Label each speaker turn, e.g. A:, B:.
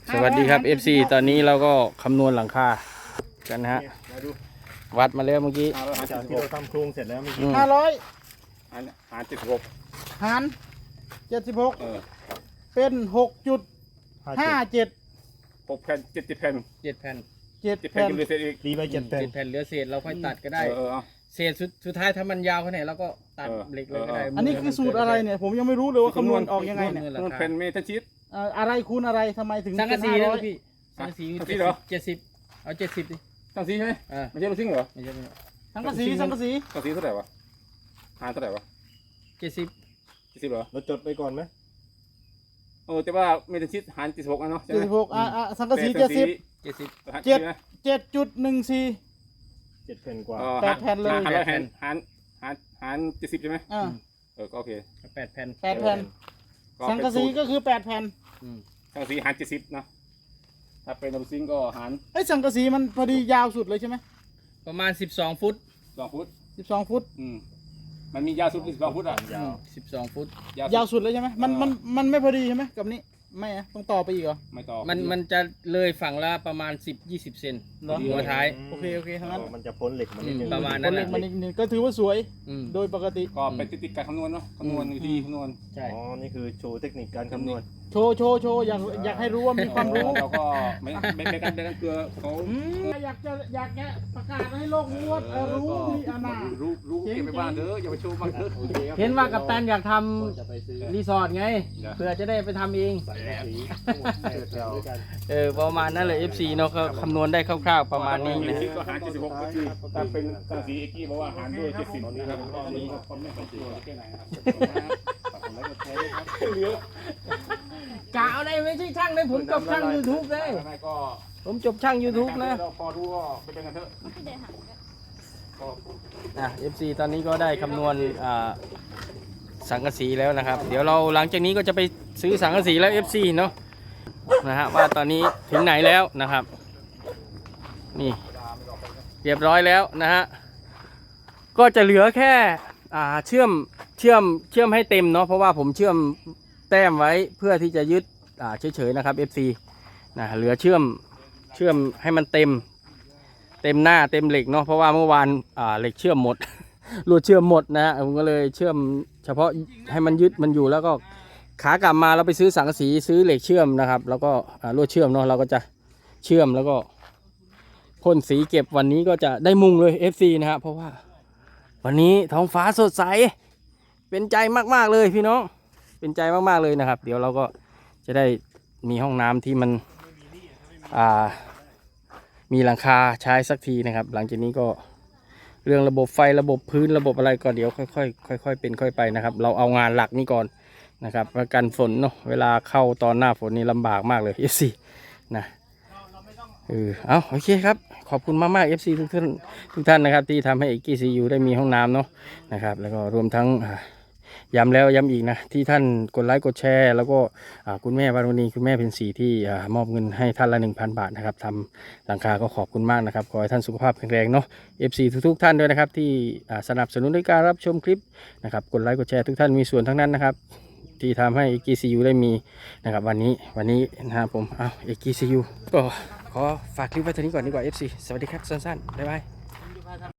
A: สวัสดีครับ FC ตอนนี้เราก็คำนวณหลังคากันนะฮะวัดมาแล้วเมื่อกี้
B: จากที่เราทำโครงเสร็จแล้วเมื่อกี้
C: หาร76
D: หาร76เป็น6.57
C: 6 แผ่น70 แผ่น
A: 7 แผ่น
C: 7 แผ่นกินเหลือเศษอีก
B: ตีไป7 แผ่น
A: 7 แผ่นเหลือเศษเราค่อยตัดก็ได้
C: เอา
A: เศษสุดท้ายถ้ามันยาวขนาดไหนเราก็ตัดเหล็กเลยก็ได้
D: อันนี้คือสูตรอะไรเนี่ยผมยังไม่รู้เลยว่าคำนวณออกยังไงเนี่ย
C: มันแผ่นเมทัลชีต
D: อะไรคูณอะไรทำไมถึง
A: สังกะสี
D: เป็น
A: นะ
D: 500
A: พี่สังกะสี
C: สังกะสีเหรอ
A: 70เอา70ดิ
C: สังสีใช่ไหมไม่ใช่ลูกซิ่งเหรอ
A: ไม่ใช่ไม่ใช่
D: สังกะสีสังกะสี
C: สังสีเท่าไหร่วะหารเท่าไหร่วะ
A: 70
C: 70เหรอ
B: เราจดไปก่อนไหม
C: แต่ว่าเมทัลชีตหาร76นะเนาะใช่ไหม
D: 76สังกะสี70 7.14
B: 7 แผ่นกว่า
D: 8 แผ่นเลย
C: หาร70ใช่ไหมก็โอเค
A: 8 แผ่น
D: 8 แผ่นสังกะสีก็คือ8 แผ่น
C: สังกะสีหาร70นะถ้าเป็นลูกซิ่งก็หาร
D: สังกะสีมันพอดียาวสุดเลยใช่ไหม
A: ประมาณ12 ฟุต
C: 2 ฟุต
D: 12 ฟุต
C: มันมียาวสุด12 ฟุต
A: ยาว12 ฟุต
D: ยาวสุดเลยใช่ไหมมันไม่พอดีใช่ไหมกับนี้ไม่ต้องต่อไปอีกเหรอ
C: ไม่ต่อ
A: มันจะเลยฝั่งละประมาณ10-20 เซนหัวท้าย
D: โอเคทั้งนั้น
B: มันจะพ้นเหล็กมันนิดนึง
A: ประมาณนั้น
D: เหล็กมันนิดนึงก็ถือว่าสวยโดยปกติ
C: ก็เป็นติดการคำนวณเนาะคำนวณวิธีคำนวณ
A: ใช่
B: นี่คือโชว์เทคนิคการคำนวณ
D: โชว์อยากให้รู้ว่ามีความรู้
C: เราก็ไม่กันเกลือเขา
D: อยากจะประกาศให้โลกรู้ว่ารู้มีอนา
C: รู้เก็บไปบ้านเถอะอย่าไปโชว์บ้านเถอะ
A: เห็นว่ากัปตันอยากทำรีสอร์ทไงเพื่อจะได้ไปทำเองประมาณนั้นเลย FC เนาะก็คำนวณได้คร่าวๆประมาณนี้นะ
C: ก็หาร76ก็คือถ้าเป็นสังสีเอ็กกี้บอกว่าหารด้วย70นี่ครับก็นี้คนไม่ค่อยเชื่อแค่ไหนนะครับ
A: กะเอาได้ไม่ใช่ช่างเลยผมจบช่าง YouTube เลยผมจบช่าง YouTube นะ
C: พอรู้ก็ไปเป็นกันเถอะ
A: FC ตอนนี้ก็ได้คำนวณสังกะสีแล้วนะครับเดี๋ยวเราหลังจากนี้ก็จะไปซื้อสังกะสีแล้ว FC เนาะนะฮะว่าตอนนี้ถึงไหนแล้วนะครับนี่เรียบร้อยแล้วนะฮะก็จะเหลือแค่เชื่อมให้เต็มเนาะเพราะว่าผมเชื่อมแต้มไว้เพื่อที่จะยึดเฉยๆนะครับ FC นะเหลือเชื่อมให้มันเต็มหน้าเต็มเหล็กเนาะเพราะว่าเมื่อวานเหล็กเชื่อมหมดลวดเชื่อมหมดนะผมก็เลยเชื่อมเฉพาะให้มันยึดมันอยู่แล้วก็ขากลับมาเราไปซื้อสังกะสีซื้อเหล็กเชื่อมนะครับแล้วก็ลวดเชื่อมเนาะเราก็จะเชื่อมแล้วก็พ่นสีเก็บวันนี้ก็จะได้มุงเลย FC นะฮะเพราะว่าวันนี้ท้องฟ้าสดใสเป็นใจมากๆเลยพี่น้องเป็นใจมากๆเลยนะครับเดี๋ยวเราก็จะได้มีห้องน้ำที่มันมีหลังคาใช้สักทีนะครับหลังจากนี้ก็เรื่องระบบไฟระบบพื้นระบบอะไรก็เดี๋ยวค่อยเป็นค่อยไปนะครับเราเอางานหลักนี้ก่อนนะครับประกันฝนเนาะเวลาเข้าตอนหน้าฝนนี่ลำบากมากเลย FC นะเอาโอเคครับขอบคุณมากๆ FC ทุกท่านนะครับที่ทำให้EKCUได้มีห้องน้ำเนาะนะครับแล้วก็รวมทั้งย้ำแล้วย้ำอีกนะที่ท่านกดไลค์กดแชร์แล้วก็คุณแม่วารุณีคุณแม่เพ็ญศรีที่มอบเงินให้ท่านละ 1,000 บาทนะครับทำหลังคาก็ขอบคุณมากนะครับขอให้ท่านสุขภาพแข็งแรงเนาะ FC ทุกท่านด้วยนะครับที่สนับสนุนในการรับชมคลิปนะครับกดไลค์กดแชร์ทุกท่านมีส่วนทั้งนั้นนะครับที่ทำให้EKCUได้มีนะครับวันนี้นะครับผมEKCUก็ขอฝากคลิปไว้เท่านี้ก่อนดีกว่า FC สวัสดีครับสั้นๆบ๊ายบาย